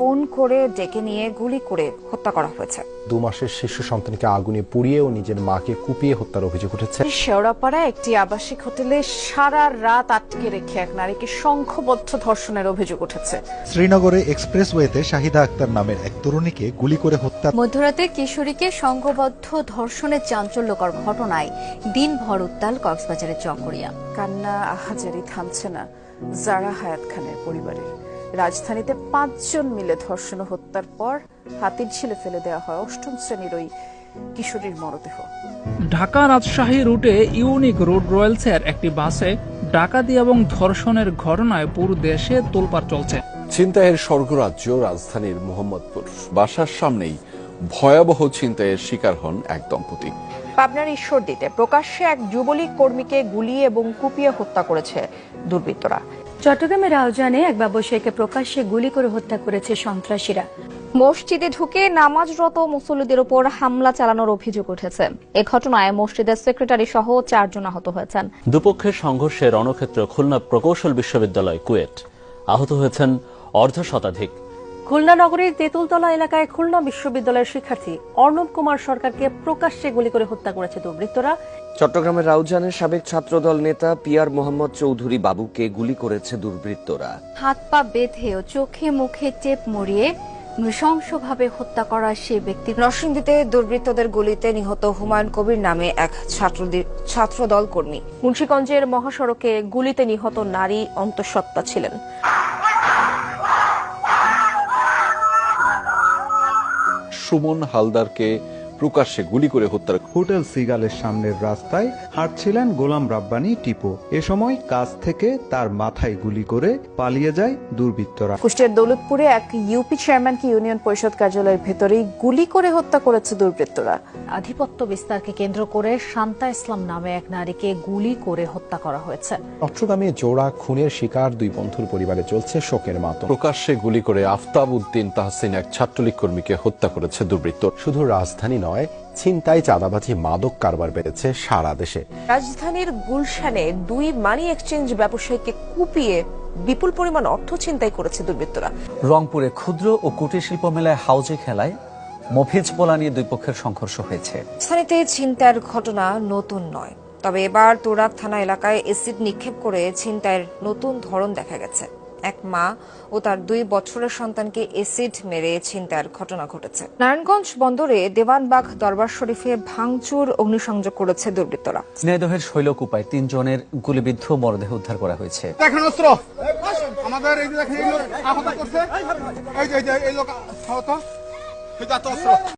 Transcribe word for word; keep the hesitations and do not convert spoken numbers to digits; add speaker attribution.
Speaker 1: Phone করে ডেকে নিয়ে গুলি করে হত্যা করা হয়েছে।
Speaker 2: দু মাসের শিশু সন্তানকে আগুনে পুড়িয়ে ও নিজের মাকে কুপিয়ে হত্যার অভিযোগ উঠেছে।
Speaker 1: শেওড়াপাড়ায় একটি আবাসিক হোটেলে সারা রাত আটকে রেখে এক নারীকে সংঘবদ্ধ ধর্ষণের অভিযোগ উঠেছে।
Speaker 3: শ্রীনগরে এক্সপ্রেসওয়েতে শাহিদা আক্তার নামের এক তরুণীকে গুলি করে হত্যা।
Speaker 4: মধ্যরাতে কিশোরীকে সংঘবদ্ধ ধর্ষণের চাঞ্চল্যকর ঘটনায় দিনভর উত্তাল কক্সবাজারের চকরিয়া।
Speaker 1: কান্না আহাজারি থামছে না জারা হায়াত খানের পরিবারের। রাজধানীতে পাঁচজন মিলে ধর্ষণ ও হত্যার পর হাতির ঝিলে ফেলে দেওয়া হয় অষ্টম শ্রেণীর ওই কিশোরীর মরদেহ।
Speaker 5: ঢাকা রাজশাহী রুটে ইউনিক রোড রয়েলসের একটি বাসে ডাকাতি এবং ধর্ষণের ঘটনায় পুরো দেশে তোলপাড় চলছে।
Speaker 6: ছিনতাইয়ের স্বর্গরাজ্য রাজধানীর মোহাম্মদপুর। বাসার সামনেই ভয়াবহ ছিনতাইয়ের শিকার হন এক দম্পতি।
Speaker 1: পাবনার ঈশ্বরদীতে প্রকাশ্যে এক যুবলীগ কর্মীকে গুলি এবং কুপিয়ে হত্যা করেছে দুর্বৃত্তরা।
Speaker 4: চট্টগ্রামের রাউজানে এক ব্যবসায়ীকে প্রকাশ্যে গুলি করে হত্যা করেছে সন্ত্রাসীরা।
Speaker 7: মসজিদে ঢুকে নামাজরত মুসল্লিদের উপর হামলা চালানোর অভিযোগ উঠেছে। এ ঘটনায় মসজিদের সেক্রেটারি সহ চারজন আহত হয়েছেন।
Speaker 8: দুপক্ষের সংঘর্ষে রণক্ষেত্র খুলনা প্রকৌশল বিশ্ববিদ্যালয় কুয়েট। আহত হয়েছেন অর্ধ শতাধিক।
Speaker 4: খুলনা নগরীর তেঁতুলতলা এলাকায় খুলনা বিশ্ববিদ্যালয়ের শিক্ষার্থী অর্ণব কুমার সরকারকে প্রকাশ্যে গুলি করে হত্যা করেছে দুর্বৃত্তরা।
Speaker 9: চট্টগ্রামের রাউজানের সাবেক ছাত্রদল নেতা পিয়ার মোহাম্মদ চৌধুরী বাবুকে গুলি করেছে দুর্বৃত্তরা।
Speaker 4: হাত পা বেঁধে ও চোখে মুখে টেপ মরিয়ে নৃশংসভাবে হত্যা করা সেই ব্যক্তি।
Speaker 1: নরসিংদীতে দুর্বৃত্তদের গুলিতে নিহত হুমায়ুন কবির নামে এক ছাত্রদল কর্মী। মুন্সিগঞ্জের মহাসড়কে গুলিতে নিহত নারী অন্তঃসত্ত্বা ছিলেন।
Speaker 6: সুমন হালদারকে প্রকাশ্যে গুলি করে হত্যার।
Speaker 3: হোটেল সিগালের সামনের রাস্তায় হাঁটছিলেন গোলাম রাব্বানী টিপু। এ সময় কাছ থেকে তার মাথায় গুলি করে পালিয়ে যায় দুর্বৃত্তরা।
Speaker 1: কুষ্টিয়ার দৌলতপুরে এক ইউপি চেয়ারম্যানকে ইউনিয়ন পরিষদ কার্যালয়ের ভেতরেই গুলি করে হত্যা করেছে দুর্বৃত্তরা।
Speaker 4: আধিপত্য বিস্তারকে কেন্দ্র করে শান্তা ইসলাম নামে এক নারীকে গুলি করে হত্যা করা হয়েছে।
Speaker 2: চট্টগ্রামে জোড়া খুনের শিকার দুই বন্ধুর পরিবারে চলছে শোকের মাতম।
Speaker 6: প্রকাশ্যে গুলি করে আফতাব উদ্দিন তাহসিন এক ছাত্রলীগ কর্মীকে হত্যা করেছে দুর্বৃত্ত।
Speaker 2: শুধু রাজধানী নয়, ছিনতাই, চাঁদাবাজি, মাদক কারবার বেড়েছে সারা দেশে।
Speaker 1: রাজধানীর গুলশানে দুই মানি এক্সচেঞ্জ ব্যবসায়ীকে কুপিয়ে বিপুল পরিমাণ অর্থ ছিনতাই করেছে দুর্বৃত্তরা।
Speaker 10: রংপুরে ক্ষুদ্র ও কুটির শিল্প মেলায় হাউজে খেলায় মফিজ পোলা নিয়ে দুই পক্ষের সংঘর্ষ হয়েছে।
Speaker 1: স্থানীয়তে ছিনতাইয়ের ঘটনা নতুন নয়, তবে এবার তোরাব থানা এলাকায় এসিড নিক্ষেপ করে ছিনতাইয়ের নতুন ধরন দেখা গেছে। এক মা ও তার দুই বছরের সন্তানকে এসিড মেরে ছিনতাইয়ের ঘটনা ঘটেছে। নারায়ণগঞ্জ বন্দরে দেওয়ানবাগ দরবার শরীফে ভাঙচুর অগ্নিসংযোগ করেছে দুর্বৃত্তরা।
Speaker 10: ঝিনাইদহের শৈলকুপায় তিনজনের গুলিবিদ্ধ মরদেহ উদ্ধার করা হয়েছে।
Speaker 11: দেখেন অস্ত্র আমাদের এই যে দেখেন এই লোক আহত করছে, এই যে এই লোক আহত, এই যে অস্ত্র।